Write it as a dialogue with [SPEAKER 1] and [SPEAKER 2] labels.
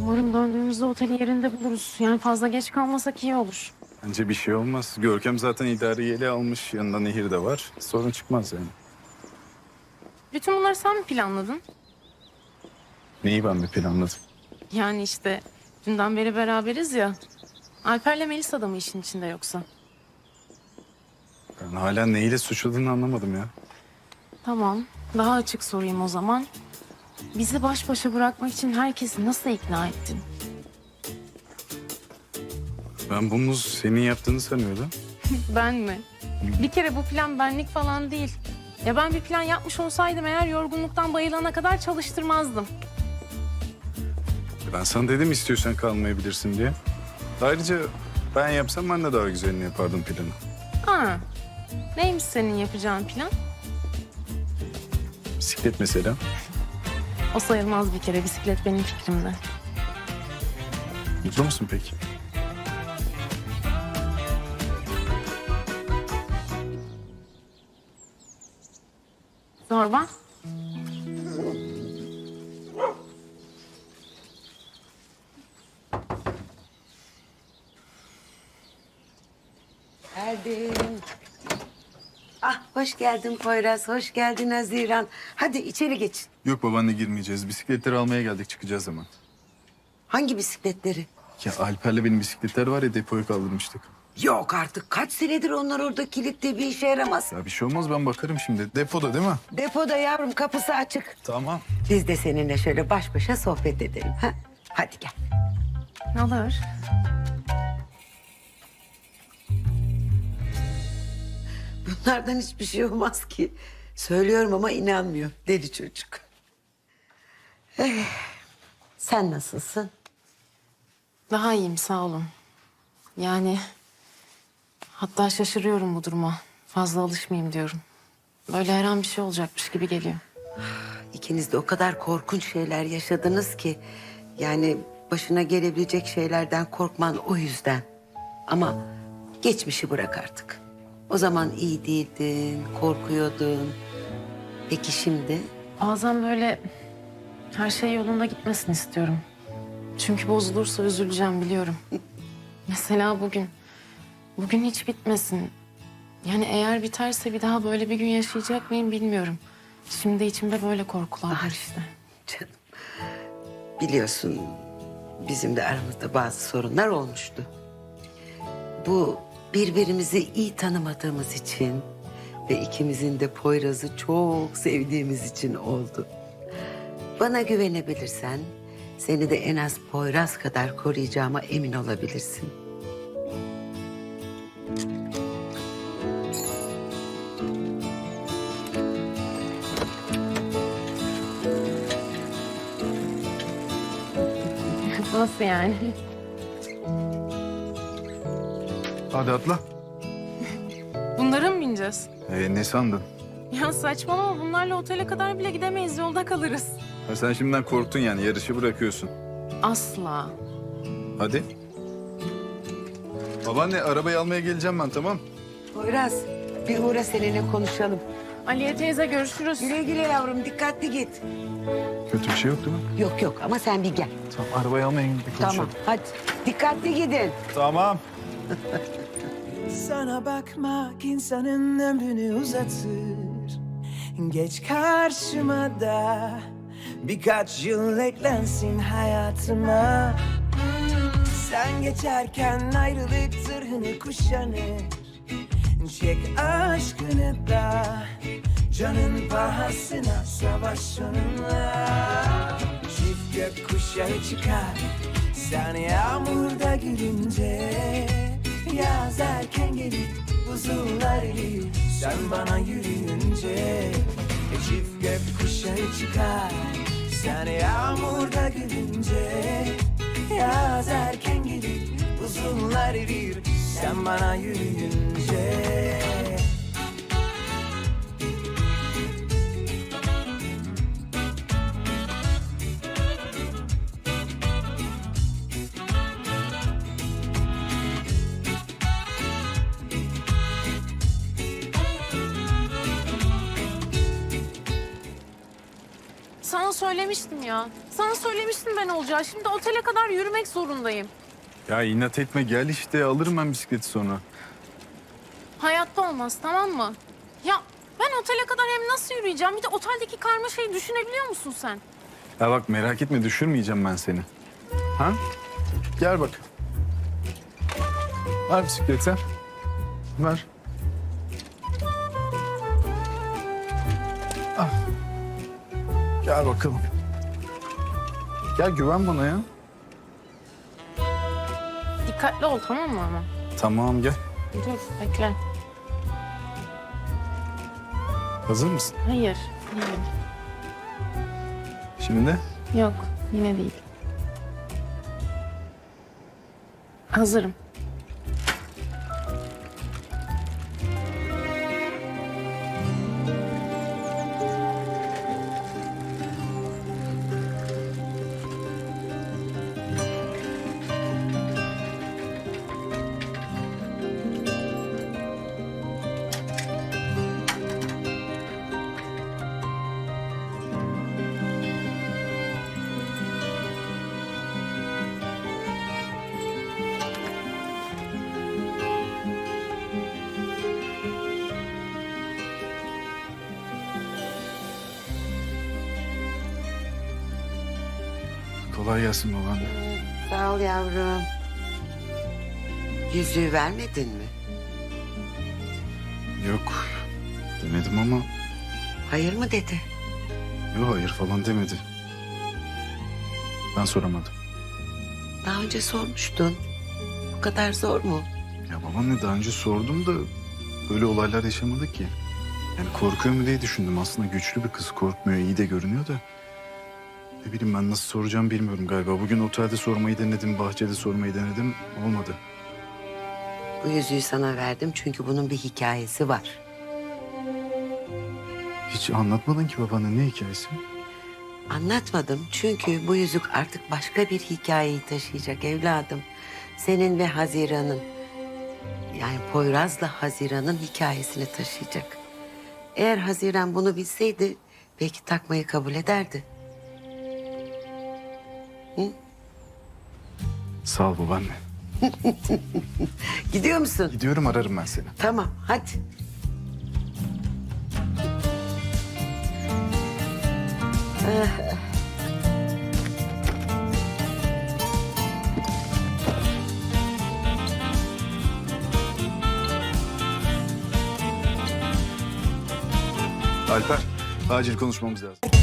[SPEAKER 1] Umarım döndüğümüzde oteli yerinde buluruz. Yani fazla geç kalmasak iyi olur.
[SPEAKER 2] Bence bir şey olmaz. Görkem zaten idareyi ele almış. Yanında Nehir de var. Sorun çıkmaz yani.
[SPEAKER 1] Bütün bunları sen mi planladın?
[SPEAKER 2] Neyi ben bir planladım?
[SPEAKER 1] Yani işte dünden beri beraberiz ya. Alper'le Melisa da mı işin içinde yoksa?
[SPEAKER 2] Ben hala neyle suçladığını anlamadım ya.
[SPEAKER 1] Tamam. Daha açık sorayım o zaman. Bizi baş başa bırakmak için herkesi nasıl ikna ettin?
[SPEAKER 2] Ben bunu senin yaptığını sanıyordum.
[SPEAKER 1] Ben mi? Bir kere bu plan benlik falan değil. Ya ben bir plan yapmış olsaydım eğer yorgunluktan bayılana kadar çalıştırmazdım.
[SPEAKER 2] Ben sana dedim istiyorsan kalmayabilirsin diye. Ayrıca ben yapsam ben de daha güzelini yapardım planı.
[SPEAKER 1] Ha. Neymiş senin yapacağın plan?
[SPEAKER 2] Bisiklet mesela.
[SPEAKER 1] O sayılmaz bir kere. Bisiklet benim fikrimde.
[SPEAKER 2] Mutlu musun peki?
[SPEAKER 1] Zorba.
[SPEAKER 3] Geldim. Ah hoş geldin Poyraz, hoş geldin Haziran. Hadi içeri geçin.
[SPEAKER 2] Yok babaanne girmeyeceğiz. Bisikletleri almaya geldik çıkacağız hemen.
[SPEAKER 3] Hangi bisikletleri?
[SPEAKER 2] Ya Alper'le benim bisikletler var ya depoya kaldırmıştık.
[SPEAKER 3] Yok artık kaç senedir onlar orada kilitli bir işe yaramaz.
[SPEAKER 2] Ya bir şey olmaz ben bakarım şimdi. Depoda değil mi?
[SPEAKER 3] Depoda yavrum kapısı açık.
[SPEAKER 2] Tamam.
[SPEAKER 3] Biz de seninle şöyle baş başa sohbet edelim. Ha? Hadi gel.
[SPEAKER 1] Olur.
[SPEAKER 3] Bunlardan hiçbir şey olmaz ki. Söylüyorum ama inanmıyor deli çocuk. Sen nasılsın?
[SPEAKER 1] Daha iyiyim sağ olun. Yani hatta şaşırıyorum bu duruma. Fazla alışmayayım diyorum. Böyle her an bir şey olacakmış gibi geliyor.
[SPEAKER 3] İkiniz de o kadar korkunç şeyler yaşadınız ki... ...yani başına gelebilecek şeylerden korkman o yüzden. Ama geçmişi bırak artık. O zaman iyi değildin, korkuyordun. Peki şimdi?
[SPEAKER 1] Bazen böyle her şey yolunda gitmesini istiyorum. Çünkü bozulursa üzüleceğim biliyorum. Mesela bugün. Bugün hiç bitmesin. Yani eğer biterse bir daha böyle bir gün yaşayacak mıyım bilmiyorum. Şimdi içimde böyle korkular var işte.
[SPEAKER 3] Canım, biliyorsun bizim de aramızda bazı sorunlar olmuştu. Bu birbirimizi iyi tanımadığımız için ve ikimizin de Poyraz'ı çok sevdiğimiz için oldu. Bana güvenebilirsen seni de en az Poyraz kadar koruyacağıma emin olabilirsin.
[SPEAKER 1] Nasıl yani?
[SPEAKER 2] Hadi atla.
[SPEAKER 1] Bunlara mı bineceğiz?
[SPEAKER 2] Ne sandın?
[SPEAKER 1] Ya saçmalama bunlarla otele kadar bile gidemeyiz. Yolda kalırız.
[SPEAKER 2] Ha, sen şimdiden korktun yani yarışı bırakıyorsun.
[SPEAKER 1] Asla.
[SPEAKER 2] Hadi. Babaanne arabayı almaya geleceğim ben tamam.
[SPEAKER 3] Poyraz bir uğra seninle konuşalım.
[SPEAKER 1] Aliye teyze görüşürüz.
[SPEAKER 3] Güle güle yavrum dikkatli git.
[SPEAKER 2] Kötü bir şey yok değil mi?
[SPEAKER 3] Yok yok ama sen bir gel.
[SPEAKER 2] Tamam arabayı almaya gidip konuşalım.
[SPEAKER 3] Tamam hadi dikkatli gidin.
[SPEAKER 2] Tamam.
[SPEAKER 4] Sana bakmak insanın ömrünü uzatır. Geç karşıma da birkaç yıl eklensin hayatıma. Sen geçerken ayrılık zırhını kuşanır. Çek aşkını da canın pahasına savaş onunla. Çift gökkuşağı çıkar sen yağmurda gülünce. Yaz erken gelir buzullar erir sen bana yürüyünce. Çift gökkuşağı çıkar sen yağmurda gülünce. Yaz erken gelir buzullar erir sen bana yürüyünce.
[SPEAKER 1] Sana sana söylemiştim ya. Sana söylemiştim ben olacağı. Şimdi otele kadar yürümek zorundayım.
[SPEAKER 2] Ya inat etme gel işte alırım ben bisikleti sonra.
[SPEAKER 1] Hayatta olmaz, tamam mı? Ya ben otele kadar hem nasıl yürüyeceğim? Bir de oteldeki karmaşayı düşünebiliyor musun sen?
[SPEAKER 2] Ya bak merak etme düşürmeyeceğim ben seni. Ha? Gel bak. Ver bisikleti. Ver. Al. Gel bakalım. Gel güven bana ya.
[SPEAKER 1] Dikkatli ol, tamam mı ama?
[SPEAKER 2] Tamam gel.
[SPEAKER 1] Dur, bekle.
[SPEAKER 2] Hazır mısın?
[SPEAKER 1] Hayır, değil.
[SPEAKER 2] Şimdi?
[SPEAKER 1] Yok, yine değil. Hazırım.
[SPEAKER 2] Kolay gelsin babaanne.
[SPEAKER 3] Sağ ol yavrum. Yüzüğü vermedin mi?
[SPEAKER 2] Yok demedim ama
[SPEAKER 3] Hayır mı dedi?
[SPEAKER 2] yok hayır falan demedi. Ben soramadım.
[SPEAKER 3] Daha önce sormuştun. Bu kadar zor mu?
[SPEAKER 2] Ya babaanne daha önce sordum da böyle olaylar yaşamadık ki. Yani korkuyor mu diye düşündüm. Aslında güçlü bir kız korkmuyor iyi de görünüyor da. Ne bileyim ben nasıl soracağım bilmiyorum galiba. Bugün otelde sormayı denedim, bahçede sormayı denedim. Olmadı.
[SPEAKER 3] Bu yüzüğü sana verdim çünkü bunun bir hikayesi var.
[SPEAKER 2] Hiç anlatmadın ki babaanne ne hikayesi?
[SPEAKER 3] Anlatmadım çünkü bu yüzük artık başka bir hikayeyi taşıyacak evladım. Senin ve Haziran'ın, yani Poyraz'la Haziran'ın hikayesini taşıyacak. Eğer Haziran bunu bilseydi belki takmayı kabul ederdi.
[SPEAKER 2] Sağ ol babaanne.
[SPEAKER 3] Gidiyor musun?
[SPEAKER 2] Gidiyorum ararım ben seni.
[SPEAKER 3] Tamam hadi.
[SPEAKER 2] Alper acil konuşmamız lazım.